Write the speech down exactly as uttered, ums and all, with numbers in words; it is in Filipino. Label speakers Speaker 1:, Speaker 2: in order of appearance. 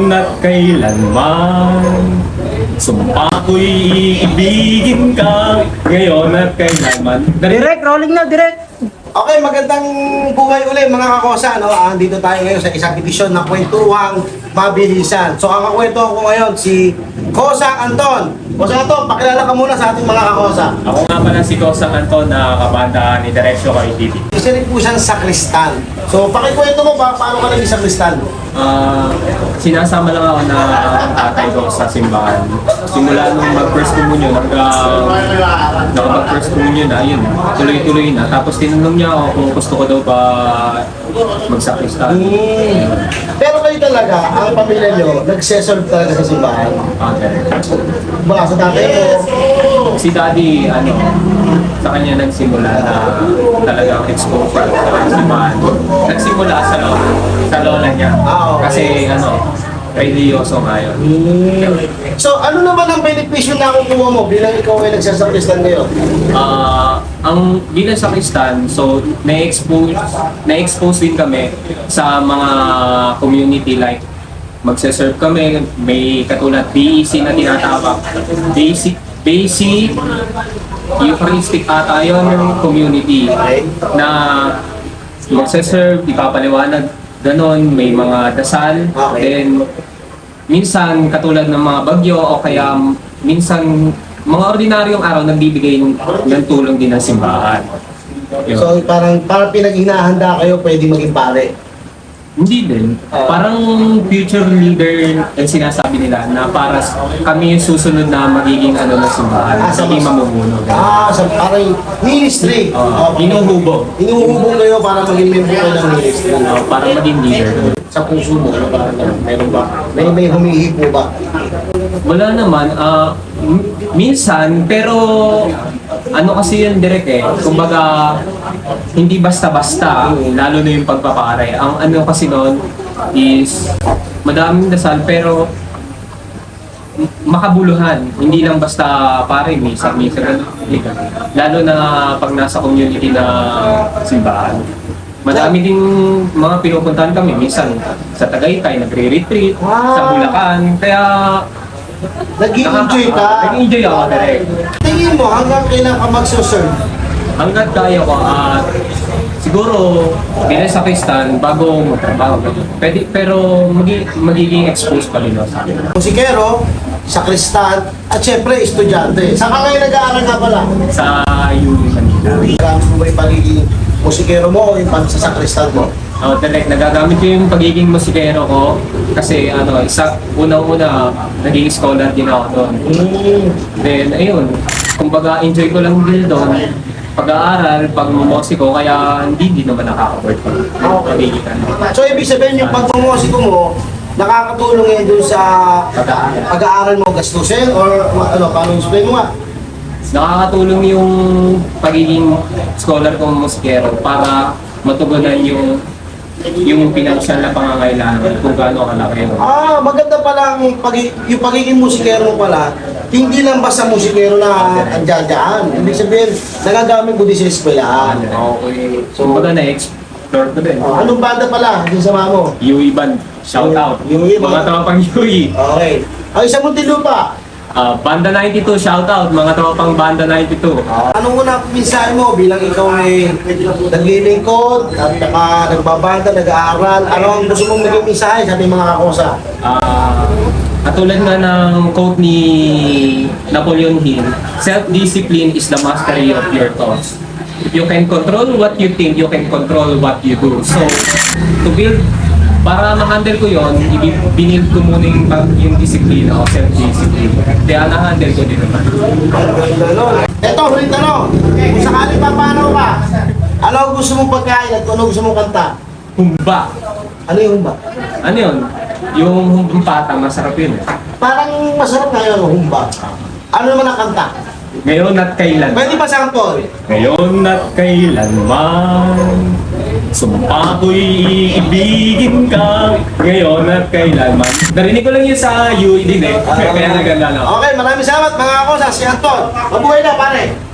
Speaker 1: Ngayon at kailanman, sumpa ko'y iibigin ka. Ngayon at kailanman.
Speaker 2: Direct, rolling na, direct.
Speaker 3: Okay, magandang buhay uli mga kakosa. No? Ah, dito tayo ngayon sa isang edisyon ng Kwentuhang Mabilisan. So ang kakwento ko ngayon si Kosa Anton. Kosa Anton, pakilala ka muna sa ating mga kakosa.
Speaker 1: Ako nga pala si Kosang Anton na kabanda ni Diretso kay T V.
Speaker 3: Isa rin po siyang sakristan. So pakikwento mo ba paano ka naging sakristan?
Speaker 1: Ah, sinasama lang ako na ang tatay ko sa simbahan. Simula nung mag-first communion hanggang nakapag-first communion na, yun, tuloy-tuloy na. Tapos tinanong niya ako kung gusto ko daw ba magsakristan.
Speaker 3: Hmm. Pero kayo talaga, ang pamilya nyo, nagsesolve talaga sa simbahan.
Speaker 1: Okay.
Speaker 3: Baka sa tatay mo,
Speaker 1: Si Daddy, ano, sa kanya nagsimula na talagang exposure sa simbahan. Nagsimula sa lola, sa lola niya.
Speaker 3: Ah, okay.
Speaker 1: Kasi, ano, religyoso nga yun.
Speaker 3: so ano naman ang benepisyo na kukuha mo bilang ikaw ay nagsasakristan ngayon?
Speaker 1: Ah, ang bilang sakristan, so na-expose na-expose din kami sa mga community like magse-serve kami, may katulad B E C na tinatawag. Basic Basic Eucharistic ata yun yung community na magse-serve, ipapaliwanag, ganon, may mga dasal,
Speaker 3: Okay.
Speaker 1: then minsan katulad ng mga bagyo o kaya minsan mga ordinaryong araw nagbibigay ng, ng tulong din ng simbahan. Yun.
Speaker 3: So parang parang pinag-hinahanda kayo pwede maging pare.
Speaker 1: Hindi din.
Speaker 3: Ah.
Speaker 1: Parang future leader ang sinasabi nila na para s- kami yung susunod na magiging ano ng simbahan,
Speaker 3: Ah, sa
Speaker 1: magiging
Speaker 3: mas-
Speaker 1: mamumuno.
Speaker 3: Ah, so parang ministry.
Speaker 1: Uh,
Speaker 3: Okay.
Speaker 1: Inuhubog.
Speaker 3: Inuhubog kayo para maging member kayo ng ministry.
Speaker 1: Uh, para maging leader.
Speaker 3: Sa puso mo, ano ba? Meron ba? May, may humihipo ba?
Speaker 1: Wala naman. ah, m- minsan, pero ano kasi yun direct eh. Kumbaga, hindi basta-basta, lalo na yung pagpapare. Ang ano kasi noon is madaming dasal pero m- makabuluhan. Hindi lang basta pare, misa, misa, ganun. Lalo na pag nasa community na simbahan. Madami ding mga pinupuntahan kami. Minsan sa Tagaytay, nagre-retreat, sa
Speaker 3: Wow.
Speaker 1: Bulacan. Kaya
Speaker 3: Nag-i-enjoy ka?
Speaker 1: nag-enjoy ako direct.
Speaker 3: Tingin mo, hanggang kailan ka magsuserve?
Speaker 1: Hanggat kaya ko at siguro bilang sa Kristan bago magtrabaho. Pwede, pero magi, magiging exposed pa rin ako sa akin.
Speaker 3: Musikero, sakristan, at syempre, estudyante. Saan ka ngayon nag-aaral ka pala?
Speaker 1: Sa U Manila.
Speaker 3: Gamit mo ba yung pagiging musikero mo o yung pag sa sakristan mo?
Speaker 1: Oh, direct, nagagamit ko yung pagiging musikero ko kasi ano, isa, unang-una, naging scholar din ako doon.
Speaker 3: Hmm.
Speaker 1: Then, ayun, kumbaga enjoy ko lang din doon pag-aaral, pag-musiko, kaya hindi din naman nakaka-work ko. Pagiging ano.
Speaker 3: So, ibig sabihin yung pagmumosiko mo, nakakatulong yan dun sa
Speaker 1: Pag-aaral.
Speaker 3: pag-aaral mo gastusin or ano, paano explain mo nga?
Speaker 1: Nakakatulong yung pagiging scholar kong musikero para matugunan yung yung pinansyal na pangangailangan kung gaano kalaki yun.
Speaker 3: Ah, maganda pala ang pagi, yung pagiging musikero mo pala, hindi lang basta musikero na andyan dyan. Ibig sabihin, nagagamit mo din sa eskwelahan.
Speaker 1: Okay. So, kumbaga na-explore ko din.
Speaker 3: Oh, anong banda pala yung sama mo?
Speaker 1: U E Band, shout out.
Speaker 3: U E,
Speaker 1: Mga
Speaker 3: mga-
Speaker 1: tropang U E.
Speaker 3: Okay. Ay, sa Muntinlupa,
Speaker 1: Ah, Banda ninety-two, shout out. Mga tropang Banda ninety-two.
Speaker 3: anong una mensahe mo bilang ikaw ay naglilingkod at saka nagbabanda, nag-aaral? Ano ang gusto mong maging mensahe sa ating mga kakosa?
Speaker 1: Ah, katulad nga ng quote ni Napoleon Hill, self-discipline is the mastery of your thoughts. If you can control what you think, you can control what you do. So, to build, para ma-handle ko yon, ibinild ko muna yung, yung disiplina o self-discipline. Kaya na-handle ko din naman.
Speaker 3: Ito, huling tanong. Kung sakali pa, paano ka? Ano ang gusto mong pagkain at ano gusto mong kanta?
Speaker 1: Humba.
Speaker 3: Ano yung humba?
Speaker 1: Ano yun? Yung humpata, masarap yun.
Speaker 3: Parang masarap na yun, humba. Ano naman ang kanta?
Speaker 1: Ngayon at kailan.
Speaker 3: Pwede ba sample?
Speaker 1: Ngayon at kailanman, sumpa ko'y iibigin ka. Ngayon at kailanman. Narinig ko lang yun sa U E din eh. Kaya naganda na ako.
Speaker 3: Okay, maraming salamat mga kakosa. Si Anton. Mabuhay na, pare.